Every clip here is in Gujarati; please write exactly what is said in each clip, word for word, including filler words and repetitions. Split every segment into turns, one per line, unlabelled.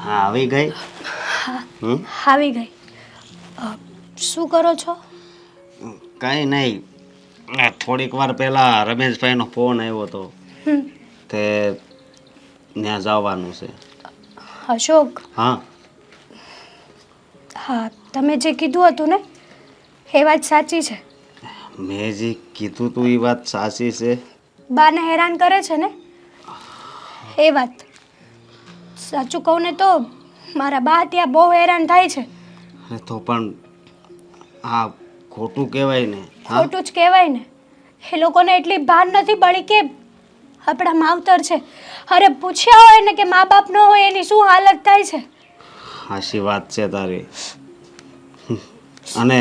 હા આવી ગઈ.
હા
હમ
આવી ગઈ. અ, શું કરો છો?
કાંઈ નહીં. આ થોડીક વાર પહેલા રમેશભાઈનો ફોન આવ્યો હતો
હમ
તે ત્યાં જવાનું છે.
અશોક,
હા
હા તમે જે કીધું હતું ને એ વાત સાચી છે.
મેં જે કીધું તું એ વાત સાચી છે.
બાને હેરાન કરે છે ને એ વાત. સાચું કહું ને તો મારા બા ત્યાં બહુ હેરાન થાય છે.
અરે તો પણ આ ખોટું કહેવાય ને. હા
ખોટું જ કહેવાય ને. એ લોકોને એટલી ભાન નથી પડી કે આપણા માવતર છે. અરે પૂછ્યા હોય ને કે મા બાપ ન હોય એની શું હાલત થાય છે.
હાચી વાત છે તારી. અને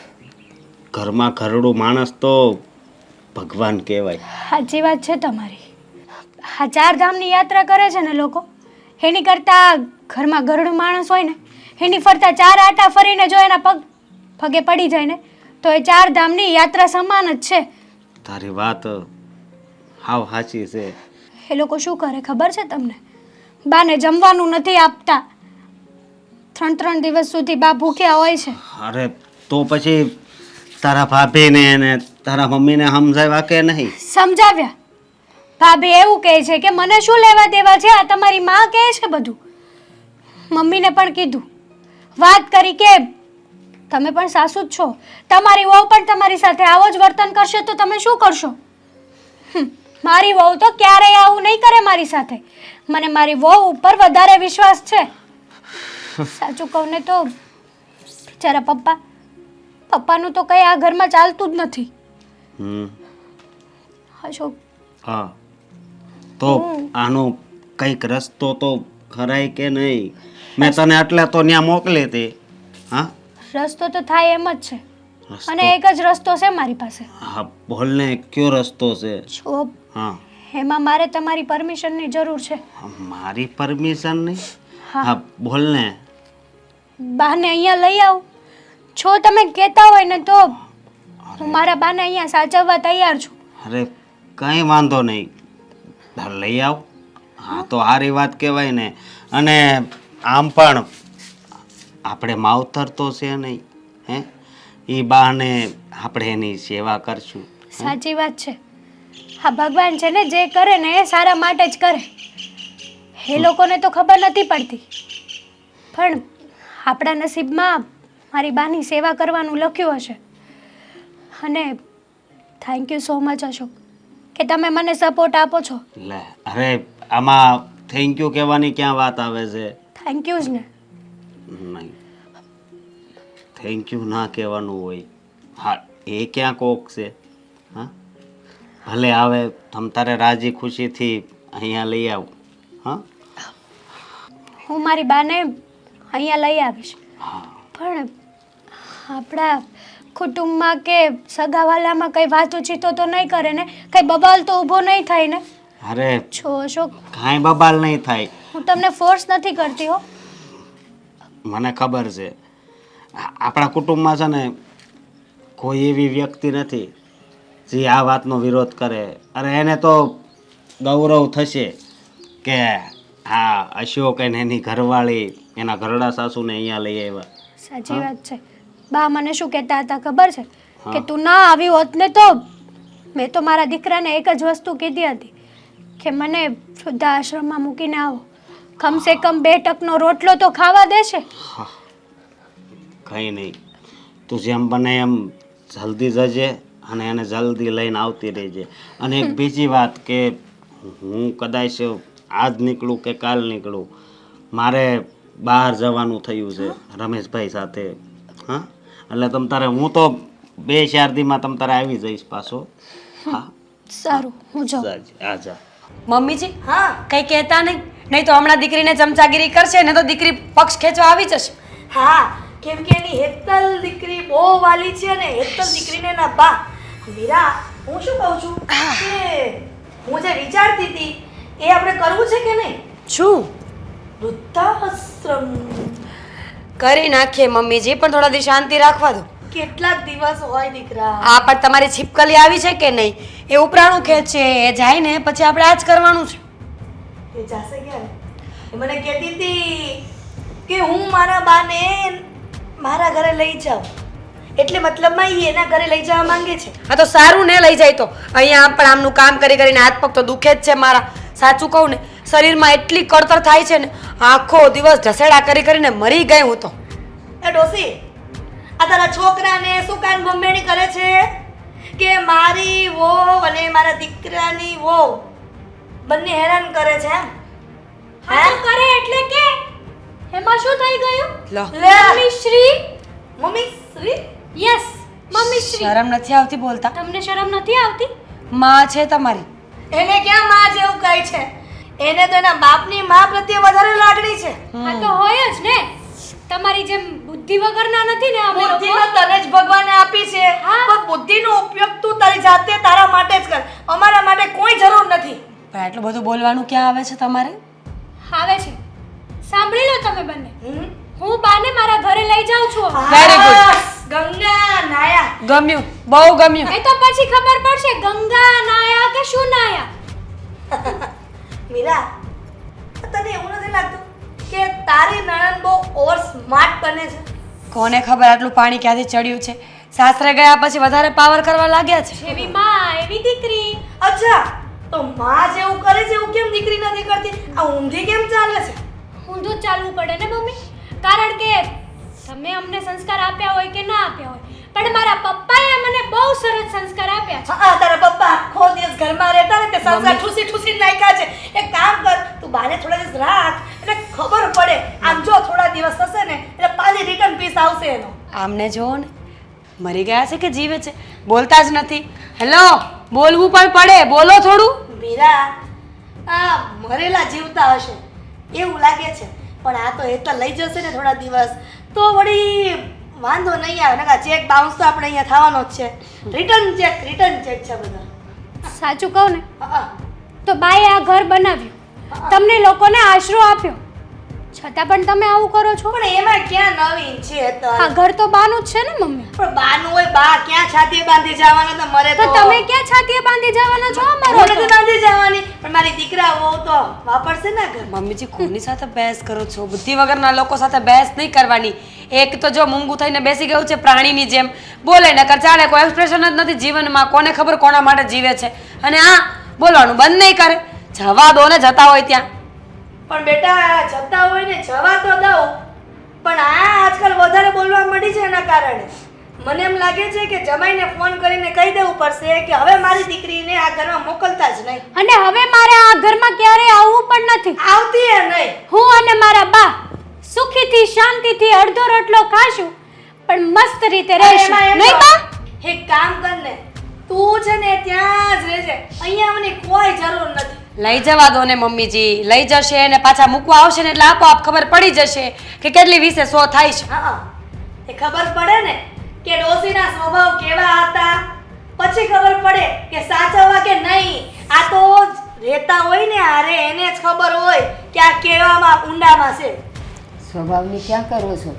ઘરમાં ઘરડું માણસ તો ભગવાન કહેવાય.
સાચી વાત છે તમારી. આ ચાર ધામની યાત્રા કરે છે ને લોકો, એની કરતાં ઘરમાં ઘરડું માણસ હોય ને એની ફરતા ચાર આટા ફરીને જો એના પગ પગે પડી જાય ને તો એ ચાર ધામની યાત્રા સમાન જ છે.
તારી વાત હાવ સાચી છે.
એ લોકો શું કરે ખબર છે તમને? બાને જમવાનું નથી આપતા. ત્રણ ત્રણ દિવસ સુધી બા ભૂખ્યા હોય છે.
અરે તો પછી તારા ભાભીને ને તારા મમ્મીને સમજાવ્યા કે નહીં?
સમજાવ્યા. ભાભી એવું કહે છે કે મને શું લેવા દેવા છે, આ તમારી માં કહે છે બધું. મમ્મીને પણ કીધું, વાત કરી કે તમે પણ સાસુ જ છો, તમારી વહુ પણ તમારી સાથે આવો જ વર્તન કરશે તો તમે શું કરશો? હમ, મારી વહુ તો ક્યારેય આવું નહીં કરે મારી સાથે. મને મારી વહુ ઉપર વધારે વિશ્વાસ છે. સાચું કહું ને તો બિચારા પપ્પા પપ્પાનું તો કંઈ આ ઘરમાં ચાલતું જ નથી.
હમ
અશોક,
હા તો આનો કંઈક રસ્તો તો ખરાય કે નહીં? મેં તને એટલે તો ત્યાં મોકલી હતી. હા
રસ્તો તો થાય એમ જ છે.
રસ્તો?
અને એક જ રસ્તો છે મારી પાસે.
હા બોલ ને, કયો રસ્તો છે?
જો
હા
એમાં મારે તમારી પરમિશનની જરૂર છે.
મારી પરમિશન નહીં?
હા.
હા બોલ ને.
બાને અહીંયા લઈ આવ. જો તમે કહેતા હોય ને તો હું મારા બાને અહીંયા સાચવવા તૈયાર છું.
અરે કંઈ વાંધો નહીં, લઈ આવ. હા તો સારી વાત કહેવાય ને. અને આમ પણ આપણે માવતર તો છે નહીં, હે? એ બાને આપણે એની સેવા કરશું.
સાચી વાત છે. હા ભગવાન છે ને જે કરે ને એ સારા માટે જ કરે. એ લોકોને તો ખબર નથી પડતી, પણ આપણા નસીબમાં મારી બાની સેવા કરવાનું લખ્યું હશે. અને thank you so much Ashok કે તમે મને સપોર્ટ આપો છો.
લે અરે આમાં થેન્ક યુ કહેવાની ક્યાં વાત આવે છે?
થેન્ક યુ જ ને.
નહીં, થેન્ક યુ ના કહેવાનું હોય. હા એ ક્યાં કોક છે? હા ભલે આવે તમ તારે રાજી ખુશીથી અહીંયા લઈ આવ. હા
હું મારી બાને અહીંયા લઈ આવીશ. પણ આપણા કુટુંબમાં કે સગાવાલામાં કંઈ વાતો ચીતો તો નહીં કરે ને? કંઈ બબાલ તો ઊભો નહીં થાય ને?
અરે
છો અશોક,
કાંઈ બબાલ નહીં થાય.
હું તમને ફોર્સ નથી કરતી હો.
મને ખબર છે આ- આપણા કુટુંબમાં છે ને કોઈ એવી વ્યક્તિ નથી જે આ વાતનો વિરોધ કરે. અરે એને તો ગૌરવ થશે કે હા અશોક અને એની ઘરવાળી એના ઘરડા સાસુને અહીંયા લઈ આવ્યા.
સાચી વાત છે. બા મને શું કહેતા હતા ખબર છે?
હા.
કે તું ના આવી હોત ને તો મેં તો મારા દીકરાને એક જ વસ્તુ કીધી હતી કે મને વૃદ્ધાશ્રમમાં મૂકીને આવો. કમસે કમ બે ટકનો રોટલો તો ખાવા દેશે.
કંઈ નહીં, તું જેમ બને એમ જલ્દી જજે અને એને જલ્દી લઈને આવતી રહેજે. અને એક બીજી વાત કે હું કદાચ આજ નીકળું કે કાલ નીકળું, મારે બહાર જવાનું થયું છે રમેશભાઈ સાથે. હા એટલે તમ તારે હું તો બે ચાર દીમાં તમ તારે આવી જઈશ પાછો. હા
સારું, હું જાઉં.
જાજે, આ જા.
મમ્મીજી હા કઈ કહેતા નહીં, નહીં તો હમણાં દીકરીને ચમચાગીરી કરશે ને તો દીકરી પક્ષ ખેંચવા આવી જશે.
હા કેમ કે એની હેતલ દીકરી બહુ વાલી છે ને હેતલ દીકરીને ના બા. મીરા, હું શું કહું છું કે હું જે વિચારતી હતી એ આપણે કરવું છે કે નહીં?
શું
વૃદ્ધાશ્રમ
કરી નાખીએ મમ્મીજી, પણ થોડા દી શાંતિ રાખવા દો.
કેટલાક દિવસ હોય દીકરા.
આ પણ તમારી છીપકલી આવી છે કે નહીં એ ઉપરાણું ખેંચે, એ જાય ને પછી આપણે આ જ કરવાનું છે.
એ જાશે ક્યારે? એ મને કહેતી હતી કે હું મારા બાને મારા ઘરે લઈ જાઉં, એટલે મતલબમાં એ એના ઘરે લઈ જવા માંગે છે.
આ તો સારું ને લઈ જાય તો. અહીંયા પણ આમનું કામ કરી કરીને હાથ પગ તો દુખે જ છે મારા. સાચું કહું ને, શરીરમાં એટલી કળતર થાય છે ને, આખો દિવસ ઢસેડા કરી કરીને મરી ગઈ હું તો.
એ ડોસી, આ તારા છોકરાને શું કાન બમ્બેણી કરે છે કે મારી વહુ અને મારા દીકરાની વહુ બંને હેરાન કરે છે એમ?
હા તો કરે એટલે કે એમાં શું થઈ ગયું?
લો,
લે
mummy Shri
mummy Shri
yes mummy Shri
શરમ નથી આવતી બોલતા?
તમને શરમ નથી આવતી?
માં છે તમારી.
એને ક્યાં માં જેવું કહે છે? એને તો એના બાપની માં પ્રત્યે વધારે લાગણી છે.
આ તો હોય જ ને. તમારી જેમ બુદ્ધિ વગરના નથી ને અમે
બુદ્ધિ
લોકો.
તો તને જ ભગવાને આપી છે,
હા.
પણ બુદ્ધિનો ઉપયોગ તું તારી જાતે તારા માટે જ કર, અમારા માટે કોઈ જરૂર નથી.
પણ આટલું બધું બોલવાનું ક્યાં આવે છે તમારે?
આવે છે. સાંભળી લો તમે બંને.
હમ?
હું બાને મારા ઘરે લઈ જાઉં છું.
Very good.
બસ, ગંગા નાયા.
ગમ્યું, બહુ ગમ્યું.
એ તો પછી ખબર પડશે ગંગા નાયા કે શું નાયા.
મીરા, તને એવું નથી લાગતું કે તારી નણંદ બહુ ઓવર સ્માર્ટ બને છે?
કોને ખબર આટલું પાણી ક્યાંથી ચડ્યું છે. સાસરે ગયા પછી વધારે પાવર કરવા લાગ્યા છે.
એવી માં એવી દીકરી.
અચ્છા, તો માં જેવું કરે છે એવું કેમ દીકરી નથી કરતી? આ ઊંધી કેમ ચાલે છે?
ઊંધું જ ચાલવું પડે ને મમ્મી. કારણ કે તમે અમને સંસ્કાર આપ્યા હોય કે ના આપ્યા હોય, પણ મારા પપ્પાએ મને બહુ સરસ સંસ્કાર આપ્યા છે.
હા, તારા પપ્પા આખો દિવસ ઘરમાં રહેતા ને તે સંસાર ઠૂસી ઠૂસી નાખ્યા છે. એક કામ કર, તું બાને થોડા દિવસ રાખ એટલે ખબર પડે. આમ જો થોડા દિવસ થશે ને એટલે પાછી રિટર્ન પીસ આવશે એનો.
આમને જુઓ ને, મરી ગયા છે કે જીવે છે? બોલતા જ નથી. હેલો, બોલવું પણ પડે, બોલો થોડું.
મીરા, આ મરેલા જીવતા હશે એવું લાગે છે, પણ આ તો એ તો લઈ જશે ને થોડા દિવસ તો વળી વાંધો નહીં આવે. નકા ચેક બાઉન્સ તો આપણે અહીંયા થવાનો જ છે. રિટર્ન ચેક રિટર્ન ચેક છે બધા.
સાચું કહું ને
હા,
તો બાએ આ ઘર બનાવ્યું, તમને લોકોને આશરો આપ્યો, છતાં પણ તમે આવું કરો છો.
પણ એમાં ક્યાં નવીન છે? તો
આ ઘર તો બાનું જ છે ને મમ્મી.
પણ બાનું હોય, બા ક્યાં છાતીએ બાંધી જવાના? તો મરે
તો
તો
તમે ક્યાં છાતીએ બાંધી જવાના છો અમારો
હું નથી બાંધી જવાની, પણ મારી દીકરા વહુ તો વાપરશે ને ઘર.
મમ્મીજી, કોની સાથે બહેસ કરો છો? બુદ્ધિ વગરના લોકો સાથે બહેસ નહીં કરવાની. એક તો જો મૂંગું થઈને બેસી ગયું છે પ્રાણીની જેમ, બોલે નકર ચાલે, કોઈ એક્સપ્રેશન જ નથી જીવનમાં. કોને ખબર કોના માટે જીવે છે? અને આ બોલવાનું બંધ નહીં કરે. જવા દો ને, જતા હોય ત્યાં.
પણ બેટા, જતા હોય ને જવા તો દઉં, પણ આ આજકાલ વધારે બોલવા માંડી છે એના કારણે મને એમ લાગે છે કે જમાઈને ફોન કરીને કહી દેવું પડશે કે હવે મારી દીકરીને આ ઘરમાં મોકલતા જ નહીં.
અને હવે મારે આ ઘરમાં ક્યારેય આવવું પણ નથી.
આવતી એ નહીં.
હું અને મારા બા સુખીથી શાંતિથી અડધો રોટલો ખાશું, પણ મસ્ત રીતે રહેશું.
એમાં એમ
નહીં
તો
બા?
એક કામ કર ને, તું છે ને ત્યાં જ રહેજે, અહીંયા આવવાની કોઈ જરૂર નથી.
લઈ જવા દો ને મમ્મીજી, લઈ જશે ને પાછા મૂકવા આવશે ને એટલે આપોઆપ ખબર પડી જશે કે કેટલી વિશે સો થાય છે.
હા, એ ખબર પડે ને કે ડોસીના સ્વભાવ કેવા હતા, પછી ખબર પડે કે સાચવવા કે નહીં. આ તો રહેતા હોય ને હારે એને જ ખબર હોય કે આ કેવામાં ઊંડામાં છે.
સ્વભાવની ક્યાં કરો છો?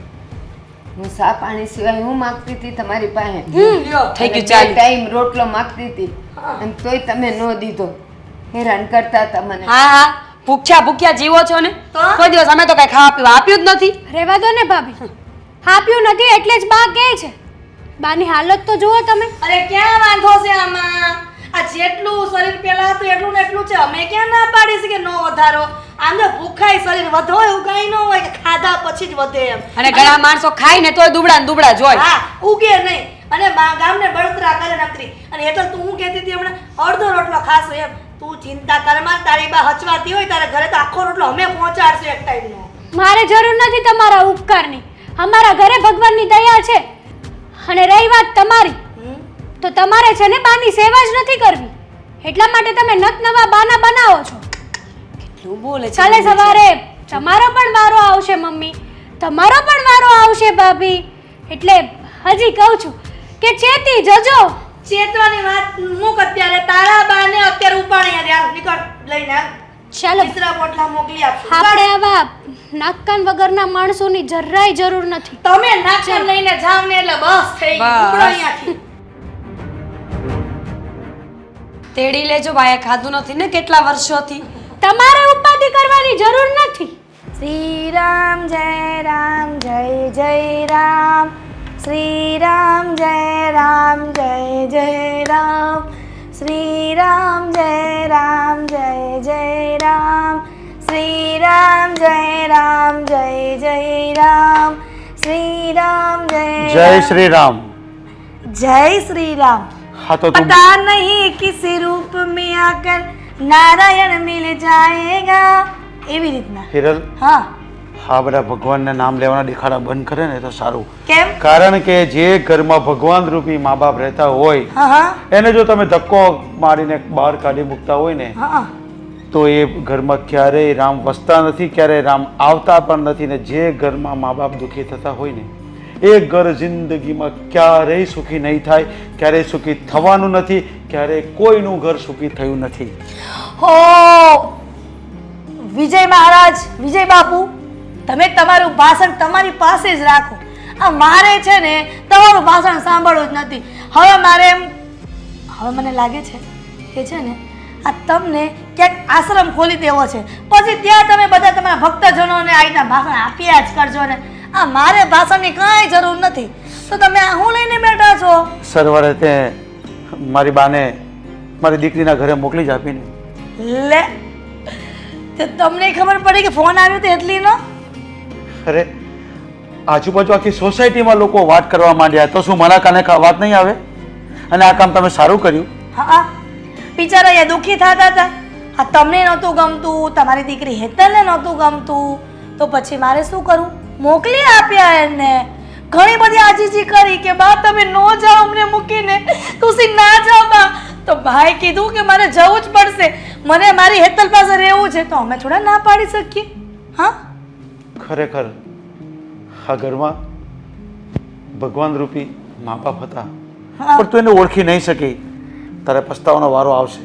હું સા પાણી સિવાય હું માગતી હતી તમારી પાસે.
લ્યો.
થઈ ગયું,
અને બે
ચાલ્યું.
ટાઈમ રોટલો માગતી હતી અને તોય તમે ન દીધો. હેરાન કરતા હતા મને.
હા હા, ભૂખ્યા ભૂખ્યા જીવો છો ને.
તો?
કોઈ દિવસ અમે તો કઈ ખાવા પીવા આપ્યું જ નથી.
રહેવા દો ને ભાભી. આપ્યું નથી એટલે જ બા કહે છે. બાની હાલત તો જુઓ તમે.
અરે ક્યાં વાંધો છે આમાં? આ જેટલું શરીર પેલા હતું એટલું ને એટલું છે. અમે ક્યાં ના પાડી છે કે નો વધારો? આમ તો ભૂખાય શરીર વધો એવું કઈ ન હોય કે ખાધા પછી જ વધે એમ.
અને ઘણા માણસો ખાય ને તોય દુબળા ને દુબળા જ હોય.
હા, ઉગે નહીં અને બા- ગામને બળતરા કરે નકરી. અને એટલે તું હું કહેતી હતી હમણાં અડધો રોટલો ખાશો એમ. તું ચિંતા કર માં, તારી બા હચવાતી હોય તારા ઘરે તો આખો રોટલો અમે પહોંચાડશું એક ટાઈમનો.
મારે જરૂર નથી તમારા ઉપકારની. અમારા ઘરે ભગવાનની દયા છે. અને રહી વાત તમારી,
હમ?
તો તમારે છે ને બાની સેવા જ નથી કરવી, એટલા માટે તમે નત નવા બાના બનાવો છો.
કેટલું બોલે છે
કાલે
મમ્મીજી.
સવારે તમારો પણ વારો આવશે મમ્મી, તમારો પણ વારો આવશે ભાભી. એટલે હજી કહું છું કે ચેતી જજો.
ચેતવાની વાત મૂક અત્યારે. તારા બાને અત્યારે ઉપાડી રહ્યા. નીકળ લઈને આવ.
ચાલો,
તીસરા પોટલા મોકલી આપશું.
આપણે આવા નાકકાન વગરના માણસોની જરાય જરૂર નથી.
તમે નાખર લઈને જાવ ને એટલે બસ થઈ ગયું.
બસ.
ઉપડો અહીંયાથી.
તેડી લેજો, બાએ ખાધું નથી ને કેટલા વર્ષોથી.
તમારે ઉપાધિ કરવાની જરૂર નથી.
શ્રી રામ જય રામ જય જય રામ શ્રી રામ જય રામ જય જય રામ શ્રી રામ જય રામ જય જય રામ શ્રી રામ જય રામ જય જય રામ શ્રી રામ જય
જય શ્રી રામ.
जय श्री राम.
हाँ तो तुम
पता नहीं किस रूप में आकर नारायण मिल जाएगा એવી રીતના.
હિરલ,
હા
હા બધા ભગવાનના નામ લેવાના દેખાડા બંધ કરે ને તો સારું.
કેમ?
કારણ કે જે ઘરમાં ભગવાન રૂપી મા બાપ રહેતા હોય
હા હા
એને જો તમે ધક્કો મારીને બહાર કાઢી મૂકતા હોય ને
હા
તો એ ઘરમાં ક્યારેય રામ વસતા નથી, ક્યારેય રામ આવતા પણ નથી. ને જે ઘરમાં મા બાપ દુઃખી થતા હોય ને એ ઘર જિંદગીમાં ક્યારેય સુખી નહીં થાય, ક્યારેય સુખી થવાનું નથી, ક્યારેય કોઈનું ઘર સુખી થયું નથી.
હો વિજય મહારાજ, વિજય બાપુ, તમે તમારું ભાષણ તમારી પાસે જ રાખો. આ મારે છે ને તમારું ભાષણ સાંભળવું જ નથી. હવે મારે એમ હવે મને લાગે છે કે છે ને આ તમને ક્યાંક આશ્રમ ખોલી દેવો છે, પછી ત્યાં તમે બધા તમારા ભક્તજનોને આ રીતના ભાષણ આપ્યા જ કરજો ને. આ મારે ભાષણની કાંઈ જરૂર નથી. તો તમે આ હું લઈને બેઠા છો?
સરવારે તે મારી બાને મારી દીકરીના ઘરે મોકલી જ આપીને.
લે તે તમને ખબર પડી કે ફોન આવ્યો તો એટલી નો?
અરે આજુબાજુ આખી સોસાયટીમાં લોકો વાત કરવા માંડ્યા તો શું મારા કાને કા- વાત નહીં આવે? અને આ કામ તમે સારું કર્યું.
હા બિચારા એ દુઃખી થતા હતા. આ તમને નહોતું ગમતું, તમારી દીકરી હેતલને નહોતું ગમતું, તો પછી મારે શું કરવું? મોકલી આપ્યા એને. ઘણી બધી આજીજી કરી કે બા તમે નો જાઓ અમને મૂકીને, તુસી ના જાઓ બા. તો ભાઈ કીધું કે મારે જવું જ પડશે, મને મારી હેતલ પાસે રહેવું છે. તો અમે થોડા ના પાડી શકીએ? હા
ખરેખર આ ઘરમાં ભગવાન રૂપી મા બાપ હતા
હા.
પણ તું એને ઓળખી નહીં શકી. તારે પસ્તાવાનો વારો આવશે.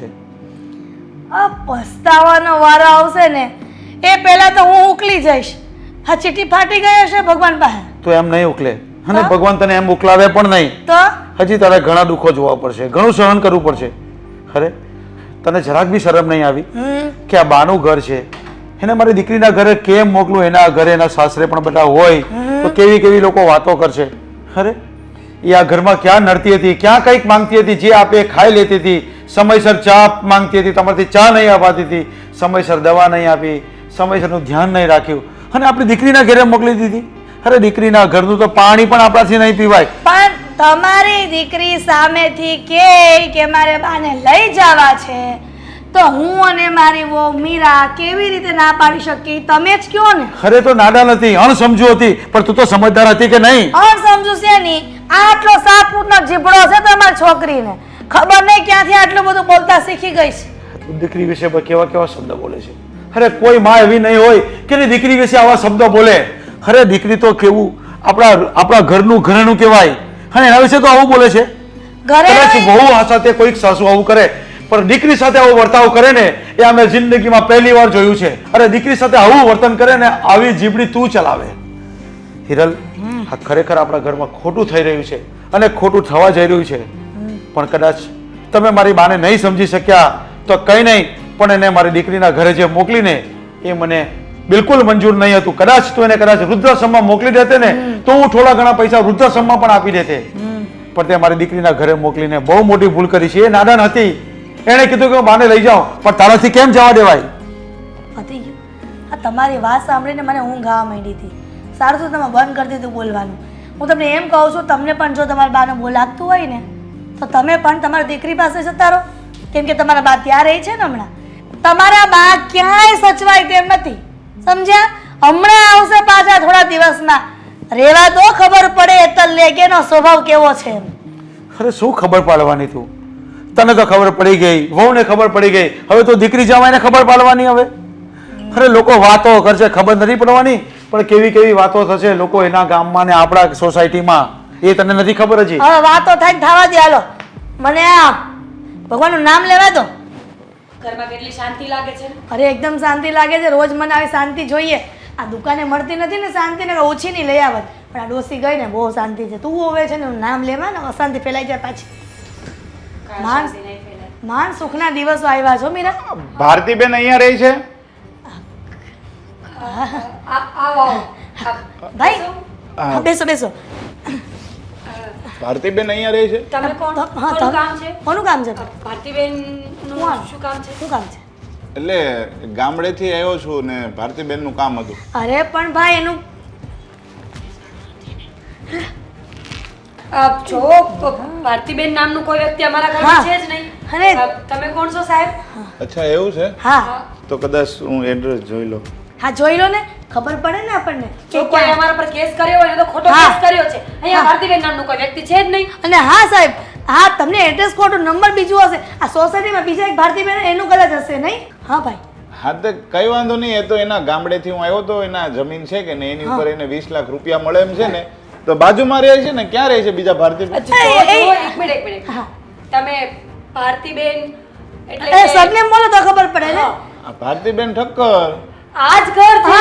આ પસ્તાવાનો વારો આવશે ને એ પહેલા તો હું ઉકલી જઈશ. હા ચીઠી ફાટી ગઈ હશે ભગવાન પાસે
તો એમ નહીં ઉકલે અને
હા?
ભગવાન તને એમ ઉકલાવે પણ નહીં.
તો
હજી તારે ઘણા દુઃખો જોવા પડશે, ઘણું સહન કરવું પડશે. ખરે તને જરાક બી શરમ નહીં આવી
હમ
કે આ બાનું ઘર છે, એને મારી દીકરીના ઘરે કેમ મોકલું? એના ઘરે એના સાસરે પણ બધા હોય તો કેવી કેવી લોકો વાતો કરશે. અરે એ આ ઘરમાં ક્યાં નડતી હતી, ક્યાં કંઈક માંગતી હતી, જે આપે એ ખાઈ લેતી હતી, સમયસર ચા માંગતી હતી, તમારાથી ચા નહીં અપાતી હતી, સમયસર દવા નહીં આપી, સમયસરનું ધ્યાન નહીં રાખ્યું અને આપણી દીકરીના ઘરે મોકલી દીધી. અરે દીકરીના ઘરનું તો પાણી પણ આપણાથી નહીં પીવાય.
પણ તમારી દીકરી સામેથી કે કે મારે બાને લઈ જવા છે તો હું અને મારી વહુ મીરા કેવી રીતે ના પાડી શકી? તમે જ કયો ને.
અરે તો નાદાન હતી, અણસમજુ હતી, પણ તું તો સમજદાર હતી કે નહીં?
અણ સમજુ છે ની આટલો સાત ફૂટનો જીભડો છે તમારી છોકરીને, ખબર નહીં ક્યાંથી આટલું બધું બોલતા શીખી ગઈ છે.
તું દીકરી વિશે પણ કેવા કેવા શબ્દ બોલે છે. અરે કોઈ માં એવી નહીં હોય કે એની દીકરી વિશે આવા શબ્દો બોલે. અરે દીકરી તો કેવું આપણા આપણા ઘરનું ઘરેણું કહેવાય અને એના વિશે તો આવું બોલે છે.
ઘરે
કદાચ વહુ સાથે કોઈક સાસુ આવું કરે પણ દીકરી સાથે આવો વર્તાવ કરે ને એ અમે જિંદગીમાં પહેલી વાર જોયું છે. અરે દીકરી સાથે આવું વર્તન કરે ને આવી જીબડી તું ચલાવે. હિરલ, આ ખરેખર આપણા ઘરમાં ખોટું થઈ રહ્યું છે અને ખોટું થવા જઈ રહ્યું છે. પણ કદાચ તમે મારી બાને નહીં સમજી શક્યા તો કંઈ નહીં, પણ એને મારી દીકરીના ઘરે જે મોકલીને એ મને બિલકુલ મંજૂર નહીં હતું. કદાચ તું એને કદાચ વૃદ્ધાશ્રમમાં મોકલી દેતે ને તો હું થોડા ઘણા પૈસા વૃદ્ધાશ્રમમાં પણ આપી દેતે. પણ તે મારી દીકરીના ઘરે મોકલીને બહુ મોટી ભૂલ કરી છે. એ નાદાન હતી, એણે કીધું કે હું બાને લઈ જાઉં, પણ તારાથી કેમ જવા દેવાય?
પતી ગયું. આ તમારી વાત સાંભળીને મને ઊંઘ આવવા માંડી હતી. સારું તો તમે બંધ કરી દીધું બોલવાનું. હું તમને એમ કહું છું, તમને પણ જો તમારા બાને બોલ લાગતું હોય ને તો તમે પણ તમારી દીકરી પાસે જતા રહો, કેમ કે તમારા બા ત્યાં રહી છે ને હમણાં. તમારા બા ક્યાંય સચવાય તેમ નથી, સમજ્યા? હમણાં આવશે પાછા થોડા દિવસમાં. રેવા તો ખબર પડે હેતલ લે કે એનો સ્વભાવ કેવો છે એમ.
અરે શું ખબર પાડવાની તું? તને તો ખબર પડી ગઈ, વહુને ખબર પડી ગઈ, હવે તો દીકરી જવાયને ખબર પાડવાની. હવે અરે લોકો વાતો કરશે, ખબર નથી પડવાની, પણ કેવી કેવી વાતો થશે લોકો એના ગામમાં ને આપણા સોસાયટીમાં, એ તને નથી ખબર હજી.
હવે વાતો થાય ને થવા દે. હાલો મને આ ભગવાનનું નામ લેવા દો.
ઘરમાં કેટલી શાંતિ લાગે છે.
અરે એકદમ શાંતિ લાગે છે. રોજ મને આવી શાંતિ જોઈએ. આ દુકાને મળતી નથી ને શાંતિ ને ઓછી ની લઈ આવત, પણ આ ડોસી ગઈ ને બહુ શાંતિ છે. તું હવે છે ને નામ લેવા ને અશાંતિ ફેલાઈ જાય પાછી. માન માન સુખના દિવસો આવ્યા છો મીરા.
ભારતીબેન અહીંયા રહી છે?
આ- આવો આવો.
ભાઈ હા, બેસો બેસો
ભારતીબેન અહીંયા રહે છે?
તમે કોણ?
હા,
કોનું
તમે-
કામ છે?
કોનું કામ છે
ભારતીબેન નું
કોણ?
શું કામ છે?
શું કામ છે
એટલે ગામડેથી આવ્યો છું ને ભારતીબેનનું કામ હતું.
અરે પણ ભાઈ એનું
અ, જો પ- ભારતીબેન નામનું કોઈ વ્યક્તિ અમારા
હા.
ઘરમાં છે જ નહીં.
અરે.
અ, તમે કોણ છો સાહેબ?
અચ્છા એવું છે?
હા
તો કદાચ હું એડ્રેસ જોઈ લઉં.
હા જોઈ લો ને ખબર પડે ને આપણને
જો
કે
કોઈ
ક્યાં-
અમારા પર કેસ કર્યો હોય તો ખોટો
હા.
કેસ કર્યો છે. અહીંયા
હા.
ભારતીબેન નામનું કોઈ વ્યક્તિ છે જ નહીં.
અને હા સાહેબ હા તમને એડ્રેસ ખોટું નંબર બીજું હશે આ સોસાયટીમાં બીજા એક ભારતીબેન એનું કદાચ હશે નહીં હા ભાઈ
હા તો કઈ વાંધો નહીં, એ તો એના ગામડેથી હું આવ્યો તો એના જમીન છે કે ને એની ઉપર એને વીસ લાખ રૂપિયા મળે એમ છે ને, તો બાજુમાં રહે છે ને. ક્યાં રહે છે બીજા ભારતીબેન?
જો,
એ, એ,
જો, એક મિનિટ એક મિનિટ
હા.
તમે ભારતીબેન એટલે
એ
કે-
સરનેમ બોલો તો ખબર પડે ને
હા.
આ ભારતીબેન ઠક્કર.
આ જ ઘર છે.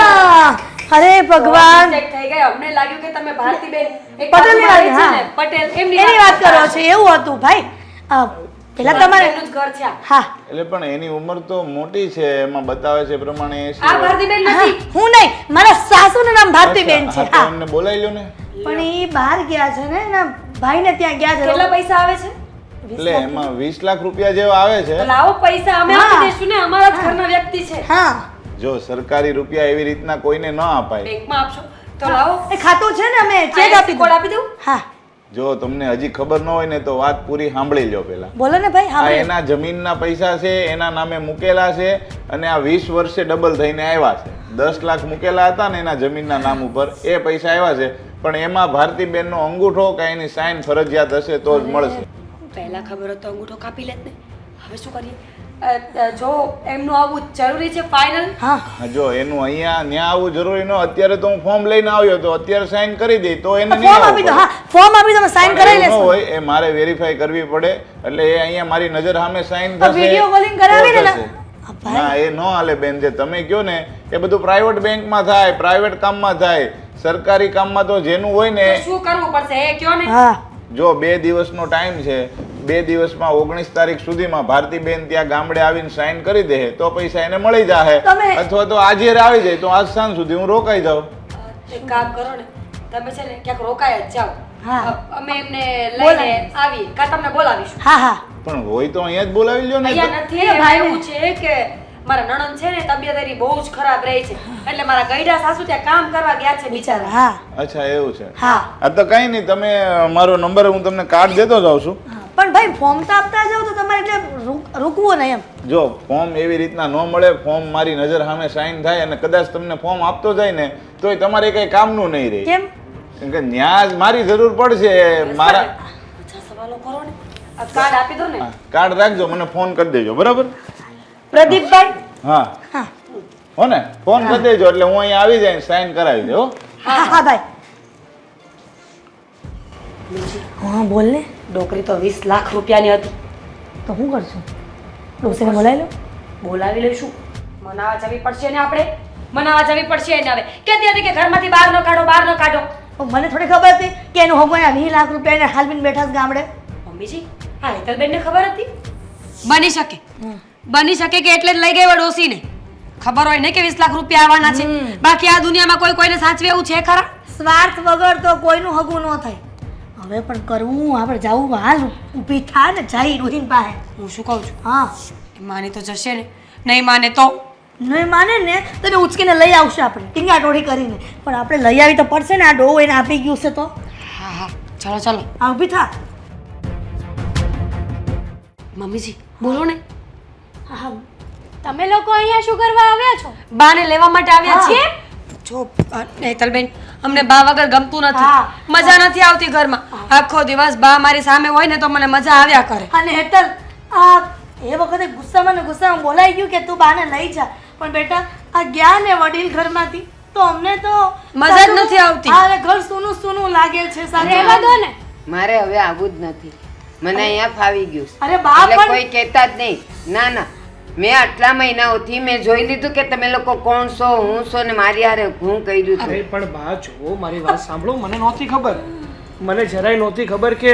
હા અરે ભગવાન
Mistake થઈ ગઈ. અમને લાગ્યું કે તમે ભારતીબેન એક
પટેલની
બાજુમાં
વાત,
રહે છે ને,
હા.
પટેલ એમની
એની વાત કરો છો એવું હતું ભાઈ આ, પેલા તમારે
એમનું જ ઘર છે આ.
હા
એટલે પણ એની ઉંમર તો મોટી છે, એમાં બતાવે છે એ પ્રમાણે એંસી
આ
વર્ષ.
ભારતીબેન
હા,
નથી.
હું નહીં મારા સાસુનું નામ ભારતીબેન છે
અચ્છા, હા, તો
હા
એમને બોલાવી લો ને.
પણ એ બહાર ગયા છે ને એના ભાઈને ત્યાં ગયા છે
કેટલા પૈસા આવે છે?
એટલે એમાં વીસ લાખ રૂપિયા જેવા આવે છે.
તો લાવો પૈસા અમે
હા.
આપી દઈશું ને, અમારા જ ઘરના વ્યક્તિ છે.
હા
જો સરકારી રૂપિયા એવી રીતના કોઈને ન અપાય.
બેંકમાં આપશો તો લાવો.
એ ખાતું છે ને અમે ચેક
ચેક
આપી
કોડ
દઉં
આપી દઉં?
હા
જો તમને હજી ખબર ન હોય ને તો વાત પૂરી સાંભળી લો પેલા.
બોલો ને ભાઈ
આ
હા
એના જમીનના પૈસા છે, એના નામે મૂકેલા છે અને આ વીસ વર્ષે ડબલ થઈને આવ્યા છે. દસ લાખ મૂકેલા હતા ને એના જમીનના નામ ઉપર, એ પૈસા આવ્યા છે. પણ એમાં ભારતીબેનનો અંગૂઠો કે એની સાઈન ફરજિયાત હશે તો જ મળશે.
પહેલા ખબર હતો અંગૂઠો કાપી લેત ને. હવે શું કરીએ? અ, અ, જો એમનું આવવું જરૂરી છે ફાઇનલ.
હા
હા, જો એનું અહીંયા ન્યા આવવું જરૂરી ન, અત્યારે તો હું ફોર્મ લઈને આવ્યો તો અત્યારે સાઈન કરી દઈ તો એને નહીં
ફોર્મ
આવવું
આપી દો
પડે.
હા ફોર્મ આપી દો સાઈન
પણ
કરાવી
એવું ન
લેશો
હોય, એ મારે વેરીફાઈ કરવી પડે એટલે એ અહીંયા મારી નજર સામે સાઈન
તો
થશે
video calling કરાવી
તો
ને.
થશે.
હા, ભાઈ.
ના એ ન હાલે બેન, જે તમે કહો ને એ બધું પ્રાઇવેટ બેંકમાં થાય, પ્રાઇવેટ કામમાં થાય. સરકારી કામમાં તો જેનું હોય ને,
તો શું કરવું પડશે એ કયો ને.
હા
જો બે દિવસનો ટાઈમ છે, બે દિવસમાં ઓગણીસ તારીખ સુધીમાં ભારતીબેન ત્યાં ગામડે આવીને સાઈન કરી દે તો પૈસા એને મળી જાય.
તમે-
અથવા તો આજે આવી જાય તો આજ સાંજ સુધી હું રોકાઈ જાઉં.
એક કામ કરો ને, તમે છે ને ક્યાંક રોકાય જ જાઓ.
હા.
અ- અમે એમને
બોલાવીશ.
લઈને આવીએ કાં તમને બોલાવીશું.
હા હા
પણ હોય તો અહીંયા જ બોલાવી લ્યો ને.
અહીંયા નથી. એમાં એવું છે કે મારા નણંદ છે ને તબિયત એની બહુ જ ખરાબ રહી છે, એટલે મારા ગઈડા સાસુ ત્યાં કામ કરવા ગયા છે બિચારા.
હા
અચ્છા એવું છે.
હા
આ તો કઈ નહીં, તમે મારો નંબર હું તમને કાર્ડ દેતો જાઉં છું.
પણ ભાઈ ફોર્મ તો આપતા જાવ તો તમારે એટલે રૂક- રૂકવું નહીં એમ
જો ફોર્મ એવી રીતના ન મળે, ફોર્મ મારી નજર સામે સાઈન થાય અને કદાચ તમને ફોર્મ આપતો જાય ને તોય તમારે કઈ કામનું નહીં રહે.
કેમ
કેમ કે ન્યા જ મારી જરૂર પડશે. મારા
ઓછા સવાલો કરો ને. આ કાર્ડ આપી દો ને.
હા, કાર્ડ રાખજો, મને ફોન કરી દેજો બરાબર.
પ્રદીપભાઈ
હા
હા
હો ને, ફોન કરી દેજો એટલે હું અહીંયા આવી જાય સાઈન કરાવી દે. હો
હા હા ભાઈ હા બોલ ને
ડોકરી તો વીસ લાખ રૂપિયાની હતી.
તો શું કરશું ડોસીને બોલાવી લો
બોલાવી લઈશું. મનાવા જવી પડશે ને આપણે. મનાવા જવી પડશે એને હવે. કહેતી હતી કે ઘરમાંથી બહાર ન કાઢો, બહાર ન કાઢો.
પણ મને થોડી ખબર હતી કે એનું હગવાના વીસ લાખ રૂપિયા એને હાલવીને બેઠા છે ગામડે
મમ્મીજી, હા હેતલબેનને ખબર હતી? બની શકે બની શકે કે એટલે જ લઈ ગઈ ડોસીને. ખબર હોય ને કે વીસ લાખ રૂપિયા આવવાના છે. બાકી આ દુનિયામાં કોઈ કોઈને સાચવે એવું છે ખરા?
સ્વાર્થ વગર તો કોઈનું હગું ન થાય હવે પણ કરવું આપણે જવું હાલ ઊભી થા ને જઈ રોહિન પાસે
હું શું કહું છું,
હા
એ માની તો જશે ને, નહીં માને તો
નહીં માને ને તો એને ઉચકીને લઈ આવશે આપણે ટીંગાટોળી કરીને પણ આપણે લઈ આવી તો પડશે ને આ ડો એને આપી ગયું છે તો
હા હા ચાલો ચાલો.
આ ઊભી થા
મમ્મીજી બોલો ને.
હા તમે લોકો અહીંયા શું કરવા આવ્યા છો?
બાને લેવા માટે આવ્યા
હા.
છીએ. જો અ, હેતલબેન, અમને બા વગર ગમતું નથી.
હા.
મજા નથી આવતી ઘરમાં. આખો દિવસ બા મારી સામે હોય ને તો મને મજા આવ્યા કરે.
અને હેતલ આ એ વખતે ગુસ્સામાં ને ગુસ્સામાં બોલાઈ ગયું કે તું બાને લઈ જા પણ બેટા આ ગયા ને વડીલ ઘરમાંથી તો અમને તો
મજા જ નથી આવતી.
હા, અને ઘર સૂનું સૂનું લાગે છે સાચું.
રહેવા દો ને.
મારે હવે આવું જ નથી. મને અહીંયા ફાવી ગયું છે.
અરે બા
એટલે
પણ
કોઈ કહેતા જ નહીં. ના ના, મેં આટલા મહિનાઓથી મેં જોઈ લીધું કે તમે લોકો કોણ છો, હું છો ને મારી હારે હું કર્યું
અરે
હતું.
પણ બા જુઓ, મારી વાત સાંભળો. મને નહોતી ખબર, મને જરાય નહોતી ખબર કે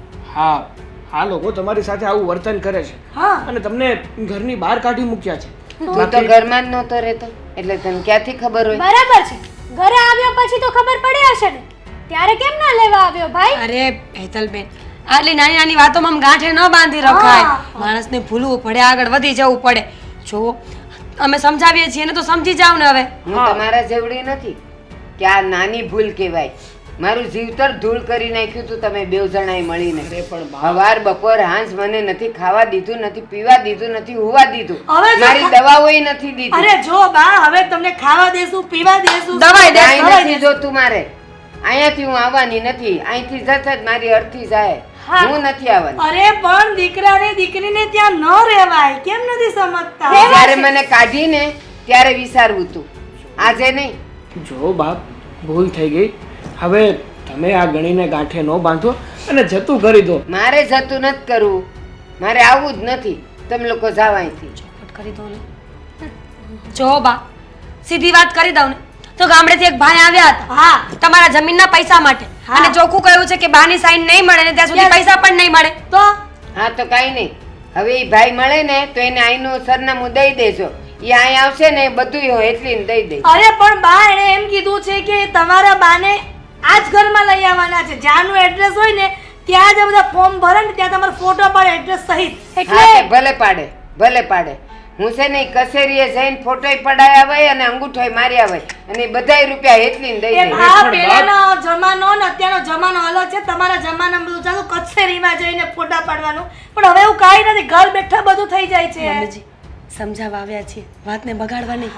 હા આ લોકો તમારી સાથે આવું વર્તન કરે છે
હા
અને તમને ઘરની બહાર કાઢી મૂક્યા છે.
તું તો ઘરમાં જ નહોતો રહેતો એટલે તને ક્યાંથી ખબર હોય?
બરાબર છે, ઘરે આવ્યા પછી તો ખબર પડી હશે ને, ત્યારે કેમ ના લેવા આવ્યો ભાઈ?
અરે હેતલબેન, આટલી નાની નાની વાતોમાં આમ ગાંઠે ન બાંધી રખાય. માણસને ભૂલવું પડે, આગળ વધી જવું પડે. જો અમે સમજાવીએ છીએ ને તો સમજી જાવ ને. હવે
હું તમારા જેવડી નથી કે આ નાની ભૂલ કહેવાય. મારું જીવતર ધૂળ કરી નાખ્યું તું તમે બેવ જણાએ મળીને. સવાર બપોર હાંજ મને નથી ખાવા દીધું, નથી પીવા દીધું, નથી હુવા દીધું,
હવે જો
મારી દવાઓય નથી દીધી.
અરે જો બા, હવે તમને ખાવા દેશું, પીવા દેશું,
દવાઈ દે,
કાંઈ નથી જોતું મારે. અહીંયાથી હું આવવાની નથી. અહીંથી જશે જ મારી અર્થી જાય. હું નથી આવવાની.
અરે પણ દીકરાને દીકરીને ત્યાં ન રહેવાય, કેમ નથી સમજતા?
જ્યારે મને કાઢીને ત્યારે વિચારવું તું, આજે નહીં.
જો બાપ, ભૂલ થઈ ગઈ. હવે તમે આ ગણીને ગાંઠે ન બાંધો અને જતું કરી દો.
મારે જતું નથી કરવું, મારે આવવું જ નથી. તમે લોકો જાવ અહીંથી.
ચોખવટ કરી દો ને. જો બા, સીધી વાત કરી દઉં ને તો ગામડેથી એક ભાઈ આવ્યા હતા.
હા,
તમારા જમીનના પૈસા માટે. અને ચોખ્ખું કહ્યું છે કે બાની સાઈન નહીં મળે ને ત્યાં સુધી પૈસા પણ નહીં મળે.
તો
હા તો કાંઈ નહીં. હવે એ ભાઈ મળે ને તો એને અહીંનું સરનામું દઈ દેજો. એ અહીં આવશે ને બધું હોય એટલી દઈ દે.
અરે પણ બા, એણે એમ કીધું છે કે તમારા બાને આ જ ઘરમાં લઈ આવવાના છે. જ્યાંનું એડ્રેસ હોય ને ત્યાં જ આ બધા ફોર્મ ભરે ને ત્યાં તમારો ફોટો પડે એડ્રેસ સહિત.
હા તે ભલે પાડે, ભલે પાડે. હું છે ને ઈ કચેરીએ જઈને ફોટોય પડાયા હોય અને અંગૂઠોય માર્યા હોય અને ઈ બધાય રૂપિયા એટલી ને દઈ
એમ
દે.
આ પહેલાનો જમાનો ને અત્યારનો જમાનો અલગ છે. તમારા જમાનામાં બધું ચાલુ કચેરીમાં જઈને ફોટા પાડવાનું, પણ હવે એવું કાંઈ નથી, ઘર બેઠા બધું થઈ જાય છે.
મમ્મીજી, સમજાવવા આવ્યા છીએ, વાતને બગાડવા નહીં.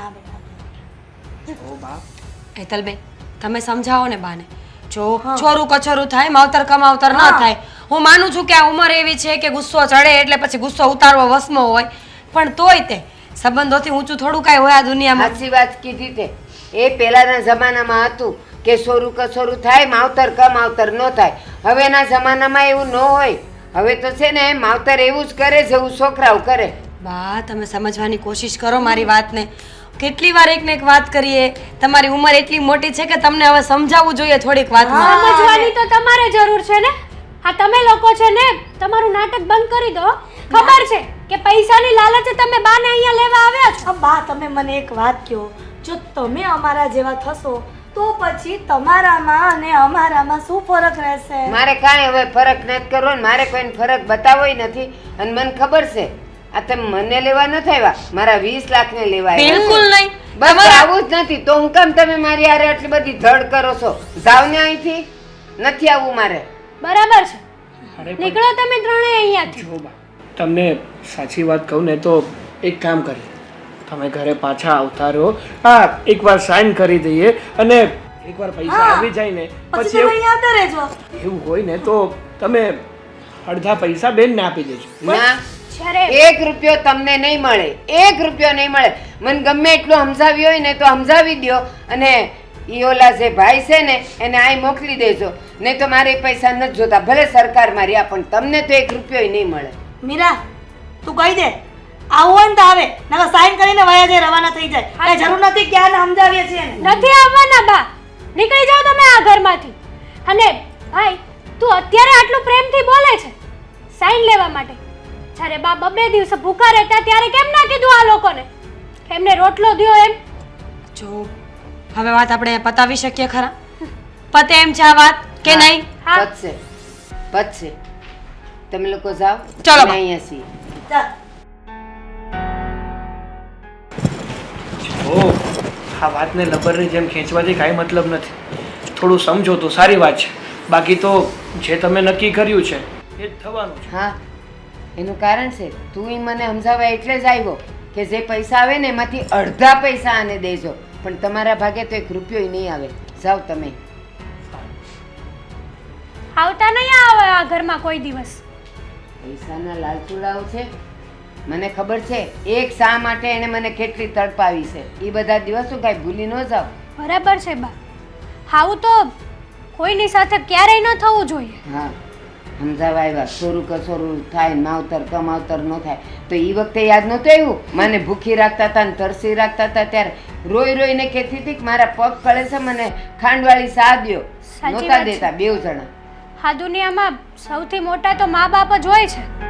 ઓ બાપ,
હેતલબેન, તમે સમજાવો ને બાને. જો ચોરું કચોરું થાય, માવતર કમાવતર ન થાય. હું માનું છું કે આ ઉંમર એવી છે કે ગુસ્સો ચડે એટલે પછી ગુસ્સો ઉતારવો વસમો હોય, પણ તોય તે સંબંધોથી ઊંચું થોડું કાંઈ હોય આ દુનિયામાં.
સાચી વાત કીધી તે. એ પહેલાના જમાનામાં હતું કે સોરું કસોરું થાય, માવતર કમાવતર ન થાય. હવેના જમાનામાં એવું ન હોય. હવે તો છે ને માવતર એવું જ કરે જેવું છોકરાઓ કરે.
બા, તમે સમજવાની કોશિશ કરો મારી વાતને. કેટલી વાર એક ને એક વાત કરીએ. તમારી ઉંમર એટલી મોટી છે કે તમને હવે સમજાવવું જોઈએ થોડીક વાતમાં.
સમજવાની તો તમારે જરૂર છે ને. આ તમે લોકો છે ને તમારું નાટક બંધ કરી દો. ખબર છે કે પૈસાની લાલચે તમે બાને અહીંયા લેવા આવ્યા છો.
આ બા, તમે મને એક વાત કહો, જો તમે અમારા જેવા થશો તો પછી તમારામાં અને અમારામાં શું ફરક રહેશે?
મારે કાંઈ હવે ફરક નથી કરવો ને મારે કોઈને ફરક બતાવોય નથી. અને મને ખબર છે આ તમે મને લેવા નથી આવ્યા, મારા વીસ લાખ ને લેવા આવ્યા.
બિલકુલ નહીં.
બસ આવું જ નથી તો હું કેમ તમે મારી હારે આટલી બધી ધડ કરો છો? જાવ ને અહીંથી. નથી આવવું મારે.
બરાબર છે,
અરે પણ
નીકળો તમે ત્રણેય અહીંયાથી.
જો બા, તમને સાચી વાત કહું ને તો એક કામ કરીએ, તમે ઘરે પાછા આવતા રહો. હા, એકવાર સાઇન કરી દઈએ અને એકવાર પૈસા આવી જાય ને
પછી
પછી
તમે અહીંયા આવતા રહેજો.
એવું હોય ને તો તમે અડધા પૈસા બેનને આપી દેજો.
ના,
જ્યારે
એક રૂપિયો તમને નહીં મળે. એક રૂપિયો નહીં મળે. મને ગમે એટલું સમજાવી હોય ને તો સમજાવી દ્યો અને ઈ ઓલા જે ભાઈ છે ને એને અહીં મોકલી દેજો. નહીં તો મારે એ પૈસા નથી જોતા. ભલે સરકાર મારી આ, પણ તમને તો એક રૂપિયો નહીં મળે.
મીરા, તું કહી દે આવું હોય ને તો આવે, નકર સાઈન કરીને વયા જાય, રવાના થઈ જાય. કઈ જરૂર નથી કે આને સમજાવીએ છીએ એને.
નથી આવવાના બા. નીકળી જાઓ તમે આ ઘરમાંથી. અને ભાઈ, તું અત્યારે આટલું પ્રેમથી બોલે છે સાઈન લેવા માટે, જ્યારે બા બબે દિવસે ભૂખા રહેતા ત્યારે કેમ ના કીધું આ લોકોને? એમને રોટલો દ્યો એમ.
જો હવે વાત આપણે પતાવી શકીએ ખરા? પતે એમ છે આ વાત કે નહીં?
હા.
પતશે, પતશે. તમે લોકો જાઓ.
ચલો
અમે
બા.
અહીંયા છીએ.
ચાલ.
ઓ, આ વાતને લબરની જેમ ખેંચવાથી કાંઈ મતલબ નથી. થોડું સમજો તો સારી વાત છે. બાકી તો જે તમે નક્કી કર્યું છે એ જ થવાનું છે.
હા, એનું કારણ છે તું ઈ મને સમજાવવા એટલે જ આવ્યો કે જે પૈસા આવે ને એમાંથી અડધા પૈસા આને દેજો. પણ તમારા ભાગે તો એક રૂપિયો નહીં આવે. જાઓ તમે.
આવતા નહીં આવે આ ઘરમાં કોઈ દિવસ.
પૈસાના લાલચુડાઓ છે. મને ખબર છે એક શા માટે એને મને કેટલી તડપાવી છે. એ બધા દિવસો કાંઈ ભૂલી ન જાઓ.
બરાબર છે બા. આવું તો કોઈની સાથે ક્યારેય ન થવું જોઈએ.
હા, સમજાવવા આવ્યા. સોરું કસોરું થાય ને માવતર કમાવતર ન થાય તો એ વખતે યાદ નહોતું આવ્યું? મને ભૂખી રાખતા હતા ને તરસી રાખતા હતા ત્યારે રોઈ રોઈને કહેતી હતી કે મારા પગ કળે છે, મને ખાંડવાળી સા દ્યો.
સાચી
નહોતા
વાત છે.
દેતા બેવ જણા.
આ દુનિયામાં સૌથી મોટા તો મા બાપ જ હોય છે.